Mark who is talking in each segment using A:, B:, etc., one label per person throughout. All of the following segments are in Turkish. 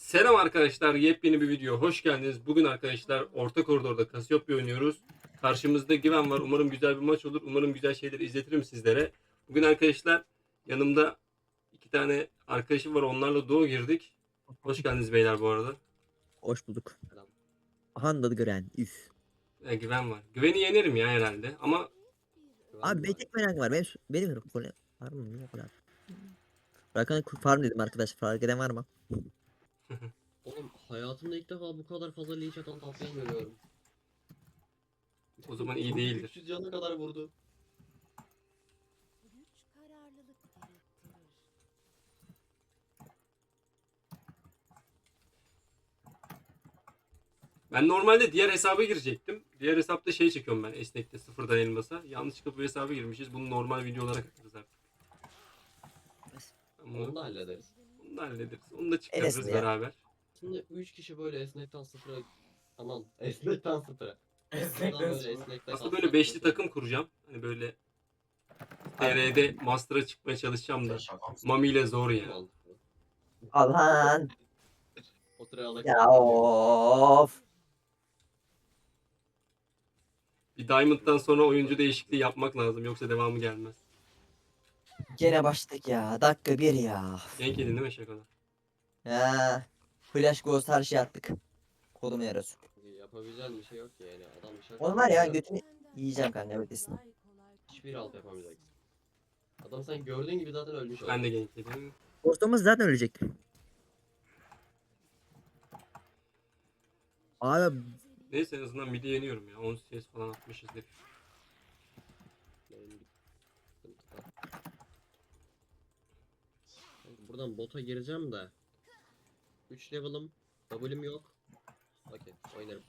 A: Selam arkadaşlar, yepyeni bir video. Hoş geldiniz. Bugün arkadaşlar orta koridorda Cassiopeia oynuyoruz. Karşımızda Güven var. Umarım güzel bir maç olur. Umarım güzel şeyler izletirim sizlere. Bugün arkadaşlar yanımda iki tane arkadaşım var. Onlarla duo girdik. Hoş geldiniz beyler bu arada.
B: Hoş bulduk.
A: Selam.
B: Handa Gören. Üf.
A: Güven var. Güven'i yenerim ya herhalde. Ama
B: Abi benim tek merakım var. Benim konu var mı? Niye o kadar? Rakan farm dedim arkadaş. Fark eden var mı?
C: Oğlum hayatımda ilk defa bu kadar fazla leech atan tatlıyı görüyorum.
A: o zaman iyi değildir.
C: 300 canına kadar vurdu.
D: Güç kararlılık gerektirir.
A: Ben normalde diğer hesaba girecektim. Diğer hesapta şey çekiyorum ben esnekte sıfırdan elmasa. Yanlışlıkla bu hesaba girmişiz. Bunu normal video olarak atarız artık.
C: Onu da hallederiz.
A: Onu da hallederiz. Onu da çıkarırız
B: Enes'le ya.
A: beraber.
C: Şimdi 3 kişi böyle esnekten sıfıra... Aman esnekten sıfıra.
E: Esnekten
C: Böyle
E: sıfıra.
C: esnekten
A: Aslında böyle beşli takım kuracağım. Hani böyle TR'de Master'a çıkmaya çalışacağım da. Mami ile zor ya.
B: Alan.
C: O sıraya
B: Ya of.
A: Bir Diamond'dan sonra oyuncu değişikliği yapmak lazım. Yoksa devamı gelmez.
B: Gene başladık ya. Dakika bir ya.
A: Gank yedin değil mi Şako'da?
B: Ya. Flash Ghost her şey attık. Kolum yarası.
C: Yapabileceğin bir şey yok ki yani. Adam şaka.
B: Oğlum var ya götünü yiyeceğim kanka evet desin.
C: Hiçbir alt yapamayacaksın. Adam sen gördüğün gibi zaten ölmüş oldu.
A: Ben de gank yedim.
B: Ghost'umuz zaten ölecek. Abi
A: Neyse en azından mid'i yeniyorum ya. 10 CS falan atmışızdır.
C: Benim bir sıkıntı var. Kanka buradan bota gireceğim de 3 level'ım, W'm yok. Okey, oynarım.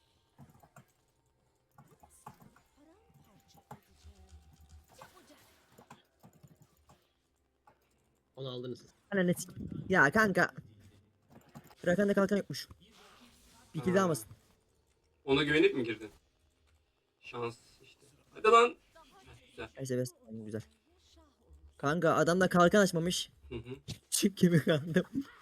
C: Onu aldınız siz.
B: ananı ya kanka. Rakan'da kalkan yokmuş. Bir kill
A: Aa.
B: almasın.
A: Ona güvenip mi girdin? Şans işte. Hadi lan. Heh, güzel.
B: Neyse güzel. Kanka adam da kalkan açmamış.
A: Hı hı.
B: Çip gibi kaldım.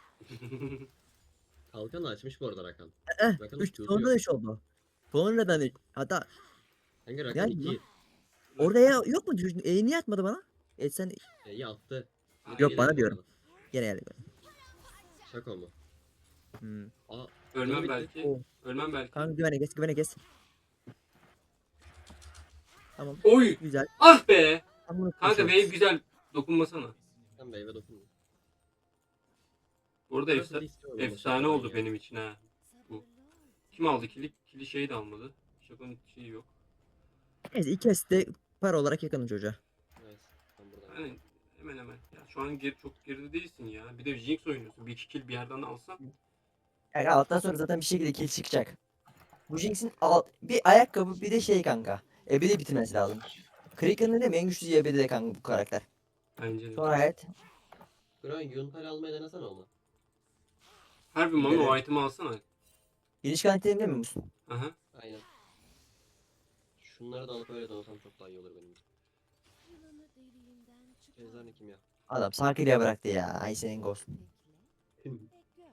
C: Kalkan açmış bu arada Rakan.
B: Eh,
C: Rakan'ın
B: 3
C: Q'su
B: sonra
C: yok.
B: 3 oldu. Sonradan 3. Hatta
C: Kanka Rakan
B: yani
C: 2
B: orada ya yok mu? Niye atmadı bana? Sen
C: E'yi attı.
B: Yok,
C: Geri
B: bana
C: geldi
B: diyorum.
C: bana.
B: gene geldi.
C: Şaka mı?
B: Hmm.
C: Aa,
A: Ölmem
C: bitti.
A: belki.
B: Oo.
A: Ölmem belki.
B: Kanka güvene kes. Tamam.
A: Oy!
B: Güzel.
A: Ah be!
B: Tam bunu
A: Kanka
B: konuşuyoruz.
A: wave güzel. Dokunmasana.
C: Sen meyve dokundun.
A: Bu arada
C: Burası da istiyorum ama
A: efsane
C: şakadan
A: oldu
C: ya.
A: benim için ha. Bu. Kim aldı kili? Kili şey de almadı. Şakonun şeyi yok.
B: Neyse ikisi de para olarak yakınım çocuğa.
C: Evet, ben buradan.
A: Yani hemen hemen. Ya şu an çok geride değilsin ya. Bir de Jinx oynuyorsun. Bir iki kill bir yerden alsan.
B: Yani alttan sonra zaten bir şekilde kill çıkacak. Bu Jinx'in bir ayakkabı bir de şey kanka. Ebedi bitirmesi lazım. Kraken'ın değil mi? En güçlü ebedi de kanka bu karakter.
A: Bence de.
B: Sonra evet.
C: Kron Yunpel almaya denesene onu.
A: Harbi Mami o
B: Gidelim.
A: item'ı alsana.
B: Giriş garantili değil mi musun?
A: Aha.
C: Aynen. Şunları da alıp öyle dolasam çok daha iyi olur benim için.
D: Yılanı deliğinden çıkar.
C: Cezanı kim ya?
B: Adam Sarkı'ya bıraktı ya. Ay senin ghost.
D: Bekle ve gör.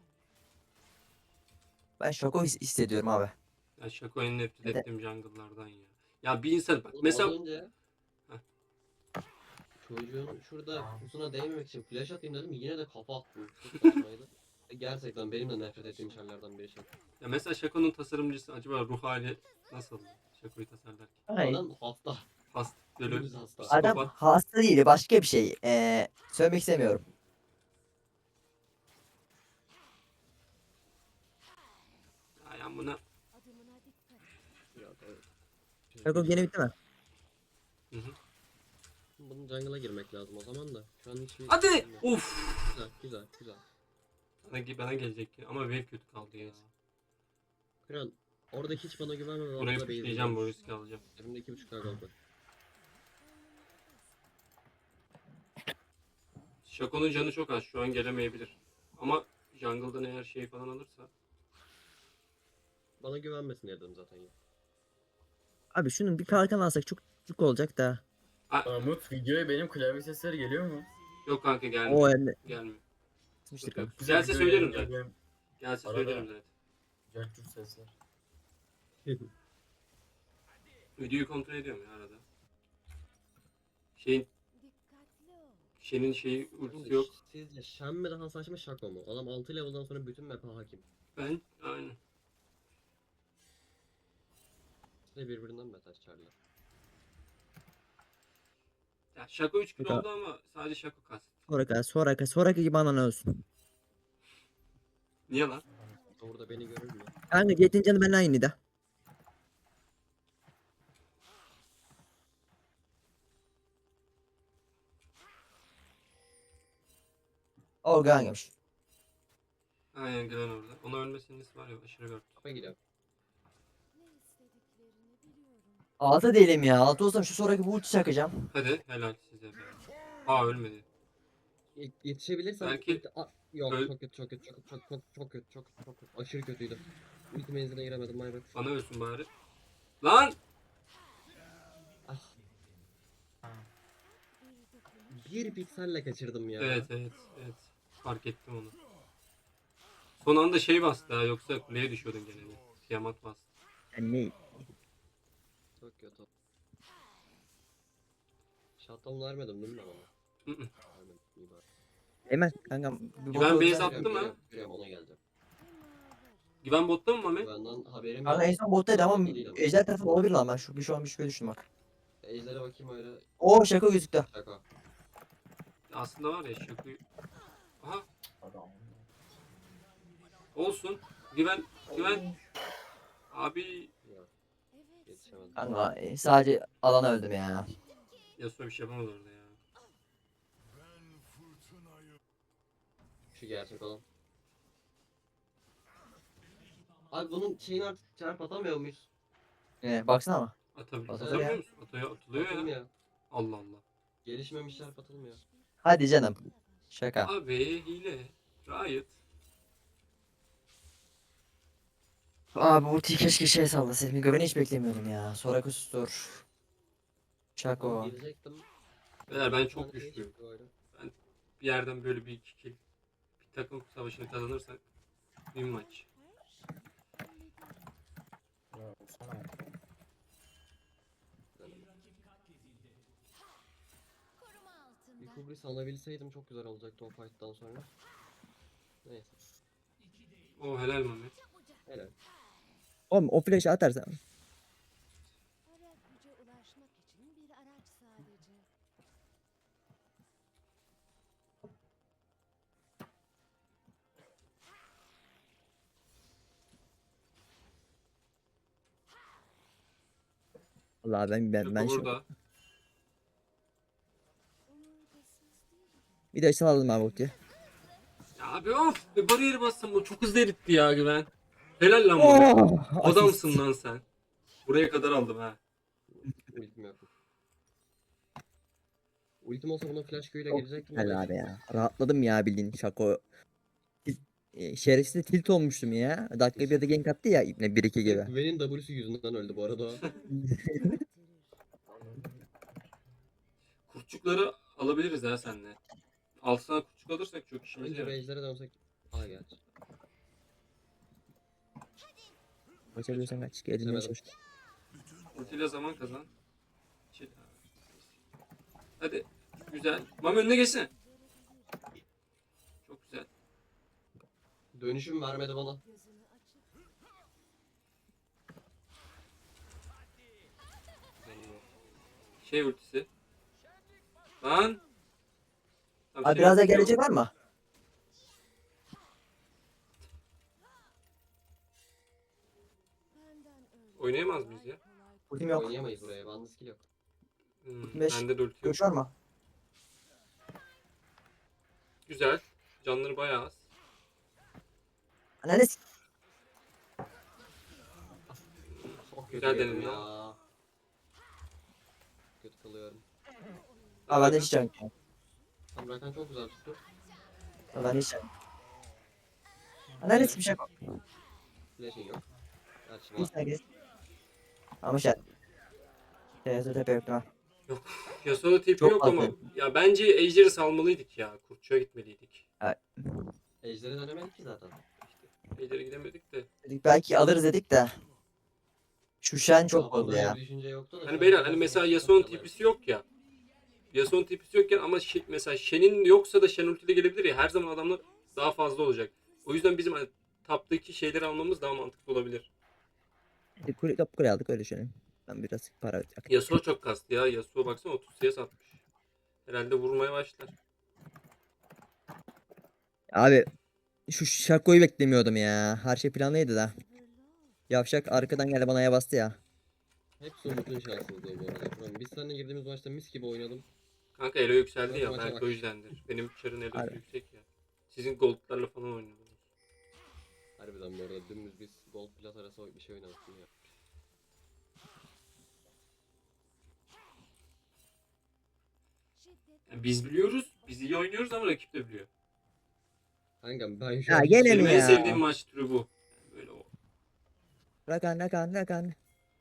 B: Ben şoko hissediyorum abi.
A: Ya Şako en nefret
B: Evet.
A: ettiğim jungle'lardan ya. Ya bir insan bak
C: Oğlum
A: mesela
C: az önce
A: Heh.
C: çocuğun şurada kusuna değmemek için flash atayım dedim yine de kafa attım. Çok saçmaydı. Gerçekten benim de nefret ettiğim şeylerden biri şey.
A: ya mesela Şako'nun tasarımcısı acaba ruh hali nasıl? Şako'yu tasarlarken.
B: Ay.
C: Adam hasta.
A: Hast böyle
C: Dümdüz hasta.
B: Adam
A: psikopat.
B: hasta değil başka bir şey. Söylemek istemiyorum.
A: Ya buna
D: Adımına dikkat et.
C: Ya, evet.
B: Şoko gene bitti mi?
A: Hı hı.
C: Bunun jungle'a girmek lazım o zaman da. Şu an hiçbir...
A: Hadi! Uf!
C: Güzel.
A: Bana gelecek ki ama wave kötü kaldı ya.
C: Kron orada hiç bana güvenme. ve
A: Burayı
C: orada base
A: pushlayacağım, bu
C: yapıyorum.
A: riski alacağım.
C: Elimde 2.5k gold var.
A: Şako'nun canı çok az, şu an gelemeyebilir. Ama jungle'dan eğer şey falan alırsa.
C: Bana güvenmesin dedim zaten ya.
B: Abi şunun bir kalkan alsak çok olacak da.
E: Umut videoya benim klavye sesleri geliyor mu?
A: Yok kanka
B: O
A: gelmiyor.
B: yani.
A: Gelmiyor.
B: Sıçmıştır
A: Yok, yok.
B: kanka.
A: Gelse söylerim zaten. Gelse
E: Arada.
A: söylerim zaten.
E: Cacur sesler.
A: Videoyu kontrol ediyorum ya arada. Şeyin
D: Dikkatli ol.
A: Shen'in şeyi
C: Şimdi
A: ultisi yok.
C: sizce Shen mi daha saçma Shaco mu? Adam 6 level'dan sonra bütün map'e hakim.
A: Ben aynen.
C: İşte birbirinden beter çarlar.
A: Ya Shaco 3 kilo
B: Peki.
A: oldu ama sadece Shaco kastı.
B: Sonraki gibi anan ölsün.
A: Niye lan?
C: Orada beni görür mü?
B: Kanka Jet'in canı ben aynı da. Organmış.
A: Aynen Glen orada. Ona ölmesinin nesi var ya aşırı gör.
C: Kapa gidiyor.
D: Ne istediklerini biliyorum.
B: 6 değilim ya. 6 olsam şu sonraki bu ulti çakacağım.
A: Hadi helal size be. Aa ölmedi.
C: Yetişebilirsen
A: Belki
C: yok
A: öl-
C: çok kötü çok kötü çok kötü çok kötü aşırı kötüydü. Ulti menziline giremedim my bad.
A: Bana ölsün bari. Lan!
C: Ah,
D: Bir dokunuş.
C: bir pikselle kaçırdım ya.
A: Evet. Fark ettim onu. Son anda şey bastı ha yoksa kuleye düşüyordun gene de. Tiamat bastı.
B: Yani
C: Çok kötü. Shutdown vermedim değil mi ben ona?
A: Hı hı.
C: Vermedim. İyi bari.
B: Hemen kanka. Bir
A: Ben
B: bot
A: base
B: olsa-
A: attım ha.
C: Görüyorum ona geldi.
A: Güven botta mı Mami?
C: Benden haberim
B: Kanka en
C: yok.
B: son bottaydı ama
C: Değil ama.
B: ejder tarafı olabilir lan ben şu an bir şüphe düştüm bak.
C: Ejder'e bakayım öyle.
B: Oo şaka gözüktü.
C: Şaka.
A: Aslında var ya Shaco'yu... Aha olsun. Güven. Abi
C: Yok
D: Evet.
C: yetişemedim.
B: Kanka sadece alana öldüm ya.
A: Yasuo bir şey yapamaz orada ya.
C: Şu gerçek olan. Abi bunun şeyini artık çarp atamıyor muyuz?
B: Baksana ama.
A: Atabiliyor
B: ya.
A: musun? Atılıyor ya.
C: Atılmıyor.
A: Allah Allah.
C: Gelişmemiş çarp atılmıyor.
B: Hadi canım. Şaka.
A: Abi hile. Riot.
B: Abi ultiyi keşke şey sallasaydım. Güveni hiç beklemiyordum ya. Sorakus dur. Şako.
C: Girecektim.
A: Beyler ben
C: Bir
A: çok
C: tane şey
A: güçlüyüm.
C: çıktı öyle.
A: Bir yerden böyle bir iki kill. Bir takım savaşını kazanırsak bir maç.
E: Ya, sana.
D: Koruma
C: Bir
D: altında.
C: Kubris alabilseydim çok güzel olacaktı o fight'tan sonra. Neyse.
A: O helal Mami.
C: Helal.
B: Oğlum o flash'ı atarsan.
D: Ara güce ulaşmak için bir araç sadece.
B: Allah ben
A: Shaco
B: şu
A: burada.
D: Omurgasız değil.
B: bir de salalım abi ultiyi.
A: Ya abi of. Bir bariyer bassam bu çok hızlı eritti ya Güven. Helal lan Mami.
B: Oh,
A: Adamsın lan sen. Buraya kadar aldım ha.
C: Ultim yok. Ultim olsa buna flash Q'yla
B: Çok
C: girecektim.
B: güzel abi ya. Rahatladım ya bildiğin Şako. Şerefsiz de tilt olmuştum ya. Dakika bir de gank attı ya İbne 1-2 gibi.
C: Güven'in W'su yüzünden öldü bu arada.
A: Kurtçukları alabiliriz ha seninle. Alsana kurtçuk alırsak çok işimize
C: Önce
A: yarar.
C: Rage'lere dönsek. Aa gerçi.
B: Kaçabiliyorsan kaç. Gelin
C: Geçemedim.
B: çalış.
A: Ultiyle zaman kazan. Şey- Hadi. Güzel. Mami önüne geçsene. Çok güzel.
C: Dönüşüm vermedi bana.
D: Gözünü açıp
A: Şey ultisi. Lan. Tamam,
B: Abi
A: şey
B: biraz daha
A: ultisi yok.
B: gelecek var mı?
D: benden öyle.
A: Oynayamaz mıyız ya?
B: Ultim yok.
C: Oynayamayız buraya. Bende skill yok.
B: Beş.
A: Bende de ulti yok.
B: Görüş var mı?
A: Güzel. Canları bayağı az.
B: Ananı s-
C: Çok
A: Güzel
C: kötü
A: denedin
C: ya. Kötü kalıyorum.
B: Abi ben de hiç can yok.
C: Tam Rakan çok güzel tuttu.
B: Abi ben de hiç can yok. Ananı s- bir şey yok.
C: Flash'in yok. Gerçi var.
B: Hiç herkes. Ama şey. Teyze tepe yok değil mi?
A: Yasuo'da tipi
B: Çok
A: yok ama.
B: fazla.
A: Ya bence Ejder'i salmalıydık ya. Kurtçuğa gitmeliydik.
C: Ejder'e dönemedik ki zaten.
A: İleri gidemedik de.
B: Dedik belki alırız dedik de. Şu Shen çok
C: Kafamda
B: bozdu
C: öyle
B: ya.
C: bir düşünce yoktu da şu
A: Hani
C: an
A: beyler hani
C: gerçekten
A: mesela
C: çok
A: Yasuo'nun
C: yalan.
A: tipisi yok ya. Yasuo'nun tipisi yokken ama mesela Shen'in yoksa da Shen ultiyle gelebilir ya. Her zaman adamlar daha fazla olacak. O yüzden bizim hani taptaki şeyleri almamız daha mantıklı olabilir.
B: Hadi kule aldık öyle düşünelim. Ben biraz para akıttık.
A: Yasuo çok kastı ya. Yasuo baksana 30 CS atmış. Herhalde vurmaya başlar.
B: Abi şu Şako'yu beklemiyordum ya. Her şey planlıydı da.
D: Sabırlı ol.
B: Yavşak arkadan geldi bana ya bastı ya.
C: Hepsi Umut'un şanssızlığı bu arada. Tamam, biz seninle girdiğimiz maçta mis gibi oynadım.
A: Kanka elo yükseldi
C: Sonra
A: ya.
C: maça
A: Belki
C: bak.
A: o yüzdendir. Benim çarın elosu
B: Harbi.
A: yüksek ya. Sizin goldlarla falan oynuyordunuz.
C: Harbiden bu arada dümdüz biz Gold Plat arası bir şey oynadık ya.
D: Şiddet
A: Yani biz biliyoruz. Biz iyi oynuyoruz ama rakip de biliyor.
C: Kankam ben şu
B: Ya
C: an
B: gene
A: Benim
B: mi
A: en
B: ya?
A: sevdiğim maç türü bu. Yani böyle o.
B: Rakan.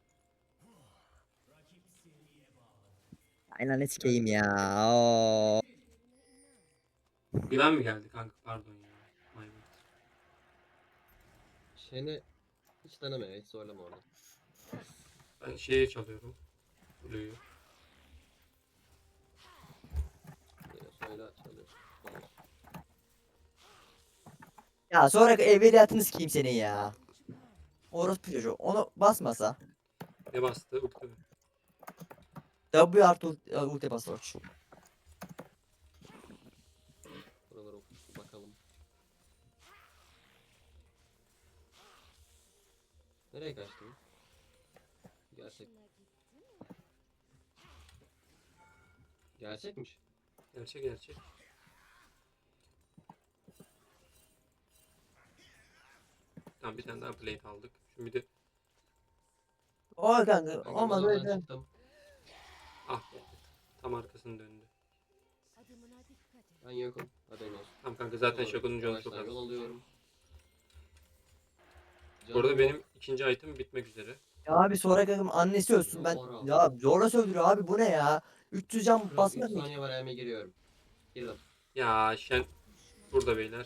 B: Aynen ne sikeyim ya. Oo.
A: Güven mi geldi kanka? Pardon ya. My bad.
C: Shen'i hiç deneme, hiç zorlama orada.
A: Ben şeye çalıyorum. Blue'yu.
C: Yine söyle çalıyorsun. Olur.
B: Ya sonraki evveliyatını sikeyim senin ya. Orospu çocuğu. Onu basmasa.
A: Ne bastı? Ulti mi?
B: W artı ulti bas Orç.
C: Buralara bakalım. Nereye kaçtın? Gerçek.
D: hoşuna gitti mi?
C: Gerçekmiş.
A: Gerçek. Tamam bir tane daha plate aldık. Şimdi bir de
B: O kanka
C: Kanka
B: olmaz
C: buradan
B: öyle.
C: çıktım.
A: ah be. Tam arkasını döndü.
D: Adımına dikkat et.
C: Ben yokum. Haberin olsun.
A: Tamam kanka zaten
C: Doğru.
A: Şako'nun canı çok
C: Yavaştan
A: az.
C: yol alıyorum.
A: Bu arada
C: Canım
A: benim ikinci item bitmek üzere.
B: Ya abi sonraki annesi ölsün ben.
C: Ara.
B: Ya zorla sövdürüyor abi bu ne ya? 300 can
C: Şurada 3
B: basmak mı?
C: saniye var, hemen giriyorum. Girdim.
A: Ya Shen burada beyler.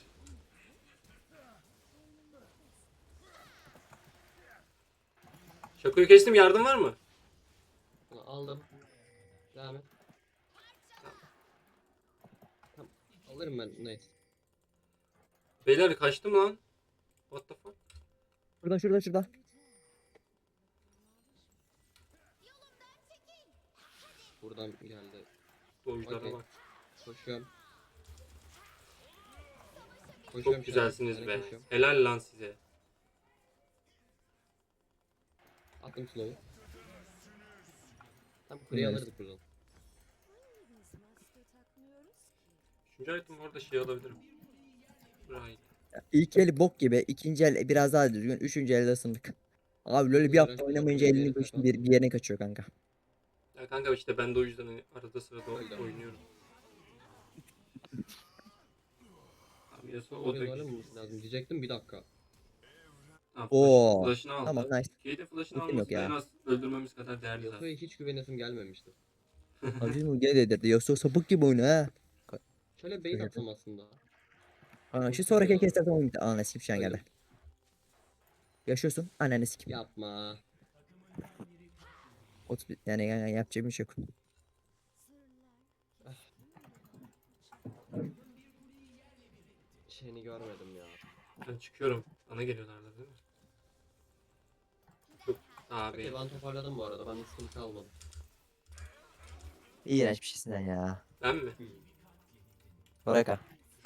A: Şako'yu kestim, yardım var mı?
C: Bunu aldım. Devam et. Tamam. Alırım ben, neyse.
A: Beyler kaçtım lan. What the fuck?
B: Şurada.
C: Buradan geldi.
A: Oyunculara
C: Okey.
A: bak.
C: Koşuyorum.
A: Çok
C: şu an.
A: güzelsiniz
C: Yani
A: be.
C: koşuyorum.
A: Helal lan size.
C: Attım slow'u. Tam kuleyi
B: Evet.
C: alırdık buradan.
D: Biz maske takmıyoruz ki.
A: Üçüncü item bu arada şey alabilirim. Right.
B: İlk el bok gibi. İkinci el biraz daha düzgün. Üçüncü elde ısındık. Abi böyle bir
C: Hızlı
B: hafta
C: bırak,
B: oynamayınca
C: bir yere
B: elini
C: kafa
B: düştü
C: attım.
B: bir yerine kaçıyor kanka.
A: Ya kanka işte ben de o yüzden hani arada sırada
C: Öyle.
A: oynuyorum. Abi Yasuo o
C: Oraya
A: da
C: doğru
A: güzel.
C: olması lazım diyecektim, bir dakika.
A: Ha,
B: Oo.
A: flash'ını aldı.
B: Tamam, nice.
A: Kate'in flash'ını
B: Ultim yok
A: alması da en
B: ya.
A: az öldürmemiz kadar değerli zaten.
C: Yasuo'ya hiç güvenesim gelmemişti.
B: Aziz Muge dedirdi. Yoksa sapık gibi oynuyor ha.
C: Şöyle bait
B: Şöyle
C: atsam aslında.
B: Aa, şu
C: Çok
B: sonraki
C: güzel
B: kez zaten oyun bitti. Ananı sikim şu an
C: Öyle.
B: geldi. Yaşıyorsun. Ananı sikim.
C: Yapma.
B: 30 yani yapacak bir şey yok.
D: Sırlar
C: Şeyini görmedim ya.
A: Ben çıkıyorum. Bana geliyorlardı değil mi? Çok abi.
C: Okey, ben toparladım bu arada. Ben de sıkıntı kalmadı.
B: İğrenç bir şeysin sen ya.
A: Ben mi?
B: Soraka.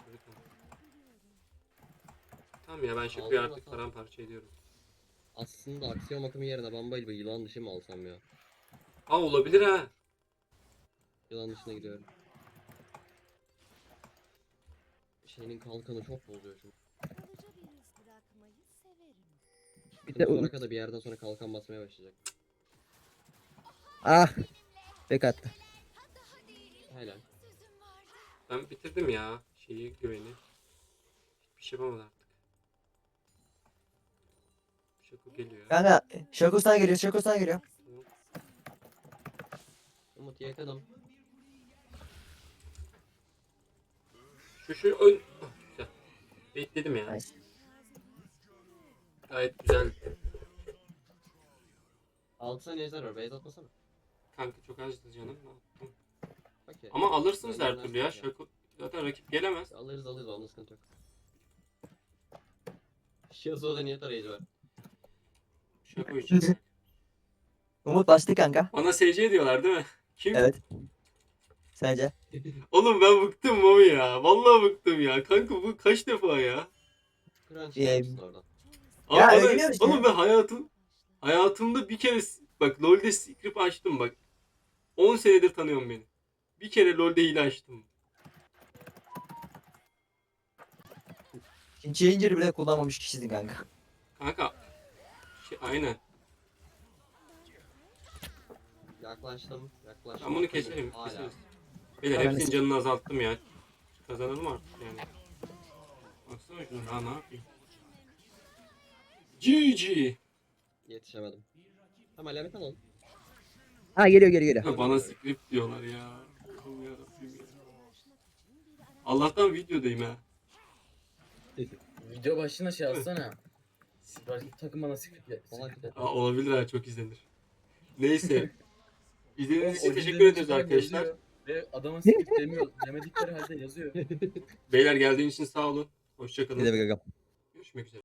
A: Tamam ya ben Şako'yu
C: Aldın
A: artık
C: mı?
A: paramparça ediyorum.
C: Aslında aksiyon akımı yerine Bumblebee bir yılan dışı mı alsam ya?
A: Aa olabilir ha.
C: Yılan dışına gidiyorum. Şeyinin kalkanı çok bozuyor çünkü.
D: kalıcı bir iz bırakmayı severim.
B: Bir
C: Şimdi
B: de
C: Soraka da bir yerden sonra kalkan basmaya başlayacak.
B: ah. Bek attı.
C: Helal.
A: Ben bitirdim ya şeyi güveni. Hiçbir şey yapamadı artık. Şako geliyor.
B: Kanka Şakos'tan geliyor.
C: Umut yakaladım.
A: Şu ön... Oh, güzel. Bekledim ya.
B: Nice.
A: Gayet güzel.
C: 6 saniye ejder var. Beyaz atmasana.
A: Kanka çok azdı canım. Ne yaptım?
C: Okey.
A: Ama alırsınız
C: Ben
A: her türlü ya.
C: yönlendireceğim.
A: Şaka. Zaten rakip gelemez.
C: Alırız onda sıkıntı yok. Yasuo'da niye tarayıcı var?
A: Şaka için.
B: Umut bastı kanka.
A: Bana SC diyorlar değil mi? Kim?
B: Evet. Sence?
A: Oğlum ben bıktım Mami ya. Vallahi bıktım ya. Kanka bu kaç defa ya?
C: Crunch
B: Ee,
C: yapmışsın oradan.
A: Abi
B: Ya
A: bana-
B: öğreniyoruz işte.
A: oğlum ben hayatımda bir kere bak LoL'de script açtım bak. 10 senedir tanıyorum beni. Bir kere LoL'de hile açtım.
B: Şimdi Challenger'ı bile kullanmamış kişisin kanka.
A: Kanka. Aynen.
C: Yaklaştım.
A: Ben bunu keserim.
C: Hala.
A: Keseriz. Beyler
B: Tamam,
A: hepsinin
B: kes.
A: canını azalttım ya. Kazanalım artık yani. Baksana şuna daha ne yapayım. GG.
C: Yetişemedim. Tamam alamet alalım.
B: Ha geliyor.
A: Ya bana script diyorlar ya. Allah'ım yarabbim ya. Allah'tan videodayım ha.
E: Video başına şey yazsana. Rakip takım bana script et.
A: Aa, olabilir ha, çok izlenir. Neyse. İzlediğiniz için
E: O
A: teşekkür
E: videonun
A: ederiz
E: içinden
A: arkadaşlar.
E: yazıyor Ve adama script demiyor. Demedikleri halde yazıyor.
A: Beyler geldiğiniz için sağ olun. Hoşçakalın.
B: Ne demek kanka?
A: Görüşmek üzere.